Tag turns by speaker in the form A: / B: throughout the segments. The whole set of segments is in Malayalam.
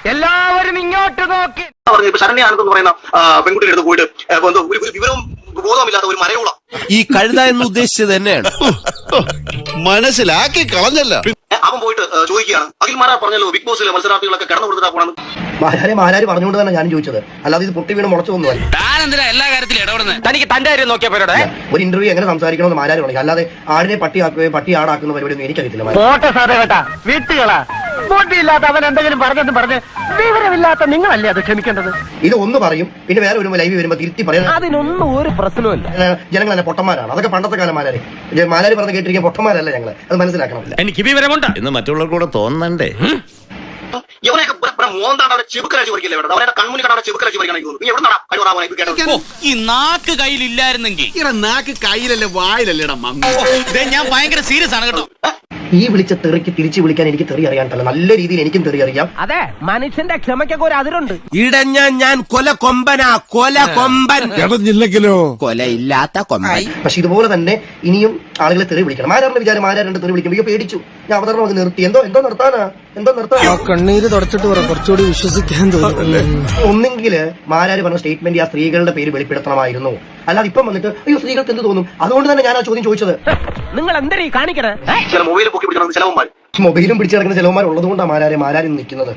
A: എല്ലാവരും ഇങ്ങോട്ട് നോക്കി.
B: ശരണ്യാണെന്ന് പറയുന്ന പെൺകുട്ടിയുടെ അടുത്ത് പോയിട്ട് ഒരു വിവരവും ബോധവുമില്ലാത്ത ഒരു മരയോള
C: ഈ കഴുത എന്ന് ഉദ്ദേശിച്ചത് തന്നെയാണ്. മനസ്സിലാക്കി കളഞ്ഞല്ല.
B: അവൻ പോയിട്ട് ചോദിക്കുകയാണ്, അഖിൽ മാരാർ പറഞ്ഞല്ലോ ബിഗ് ബോസിലെ മത്സരാർത്ഥികളൊക്കെ കടന്നു കൊടുത്തിട്ടാ പോണെന്ന്.
D: മാരാര് പറഞ്ഞുകൊണ്ട് തന്നെ ഞാൻ ചോദിച്ചത്, അല്ലാതെ ഇത് പൊട്ടി വീണ് മുളച്ചു ഒന്നുമല്ല.
A: എല്ലാ കാര്യത്തിലും ഇടപെടുന്നത് തനിക്ക് തന്റെ കാര്യം നോക്കിയാ പോരോടെ.
D: ഒരു ഇന്റർവ്യൂ എങ്ങനെ സംസാരിക്കണമെന്ന് മാരാര് പറഞ്ഞു, അല്ലാതെ ആടിനെ പട്ടിയാക്കുകയോ പട്ടി ആടാക്കുന്ന പരിപാടിയൊന്നും എനിക്കറിയത്തില്ല.
A: പോട്ടെ സാറേ കേട്ടാ, വീട്ടുകളാ ബോട്ടിയില്ലാത്ത അവൻ എന്തെങ്കിലും പറഞ്ഞെന്ന് പറഞ്ഞ് വിവരമില്ലാത്ത നിങ്ങളല്ലേ അത് ക്ഷമിക്കേണ്ടത്.
D: ഇത് ഒന്ന് പറയും, പിന്നെ വേറെ ഒരു ലൈവ് വരുമ്പോ തിരുത്തി പറയാം.
A: അതിനൊന്നും ഒരു പ്രശ്നമില്ല.
D: ജനങ്ങൾ തന്നെ പൊട്ടന്മാരാണ്. അതൊക്കെ പണ്ടത്തെ കാലം മാരാര് പറഞ്ഞ് കേട്ടിരിക്കാൻ പൊട്ടന്മാരല്ല ഞങ്ങള്, അത് മനസ്സിലാക്കണം.
A: എനിക്ക് വിവരമുണ്ട്
C: എന്ന് മറ്റുള്ളവർക്കൂടെ തോന്നണ്ടേ.
B: ഇവനെയൊക്കെ മോന്താണ് ചെബുക്കലച്ച് പറിക്കില്ല ഇവിടെ, അവരുടെ കൺമുനി കണ്ടാണ് ചെബുക്കലച്ച് പറിക്കണം. നീ എവിടെ നടാ
E: ഈ നാക്ക് കയ്യിലില്ലായിരുന്നെങ്കിൽ
F: നാക്ക് കയ്യിലല്ലേ വായിലല്ലേടാ
E: ഞാൻ ഭയങ്കര സീരിയസ് ആണ് കേട്ടോ.
D: ഈ വിളിച്ച തെറിക്ക് തിരിച്ചു വിളിക്കാൻ എനിക്ക് തെറി അറിയാണ്ടല്ല, നല്ല രീതിയിൽ എനിക്കും തെറി അറിയാം.
A: അതെ, മനുഷ്യന്റെ ക്ഷമയ്ക്കൊക്കെ ഒരു അതിരുണ്ട്.
C: ഇടഞ്ഞ ഞാൻ കൊല കൊമ്പനാ, കൊല കൊമ്പൻ. ഇടഞ്ഞില്ലെങ്കിലോ കൊലയില്ലാത്ത കൊമ്പൻ.
D: പക്ഷെ ഇതുപോലെ തന്നെ ഇനിയും ആളുകളെ തെറി വിളിക്കണം. മാരാറിന്റെ വിചാരം മാരാരുടെ തെറി വിളിക്കുമ്പോൾ പേടിച്ചു, ഞാൻ അവതരണം അത് നിർത്തി. എന്തോ നിർത്താനാ.
G: കണ്ണീര് തുടച്ചിട്ട് കുറച്ചുകൂടി വിശ്വസിക്കാൻ തോന്നുന്നു.
D: ഒന്നെങ്കിൽ മാരാര് പറഞ്ഞ സ്റ്റേറ്റ്മെന്റ് ആ സ്ത്രീകളുടെ പേര് വെളിപ്പെടുത്തണമായിരുന്നു. അല്ലാതെ ഇപ്പം വന്നിട്ട് അയ്യോ സ്ത്രീകൾക്ക് എന്ത് തോന്നും, അതുകൊണ്ട് തന്നെ ഞാൻ ആ ചോദ്യം ചോദിച്ചത്.
A: നിങ്ങൾ എന്തരീ കാണിക്കണേ?
B: ചില മൊബൈൽ പൊക്കി പിടിക്കണം ചിലവന്മാർ,
D: മൊബൈലും പിടിച്ചു കിടക്കുന്ന ചിലവന്മാർ ഉള്ളതുകൊണ്ടാണ് മാരാര് നിൽക്കുന്നത്.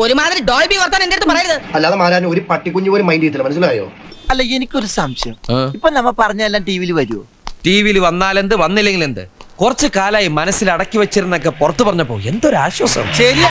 D: അല്ലാതെ മാരാരിന് ഒരു പട്ടിക്കുഞ്ഞു പോലും മൈൻഡ് ചെയ്തില്ല, മനസ്സിലായോ?
G: അല്ല, എനിക്കൊരു സംശയം. ഇപ്പൊ നമ്മ പറഞ്ഞെല്ലാം ടിവിയിൽ വരുമോ?
H: ടിവിയിൽ വന്നാലെന്ത് വന്നില്ലെങ്കിൽ എന്ത്, കുറച്ചു കാലായി മനസ്സിൽ അടക്കി വെച്ചിരുന്നൊക്കെ പുറത്തു പറഞ്ഞപ്പോ എന്തൊരു ആശ്വാസം. ശരി.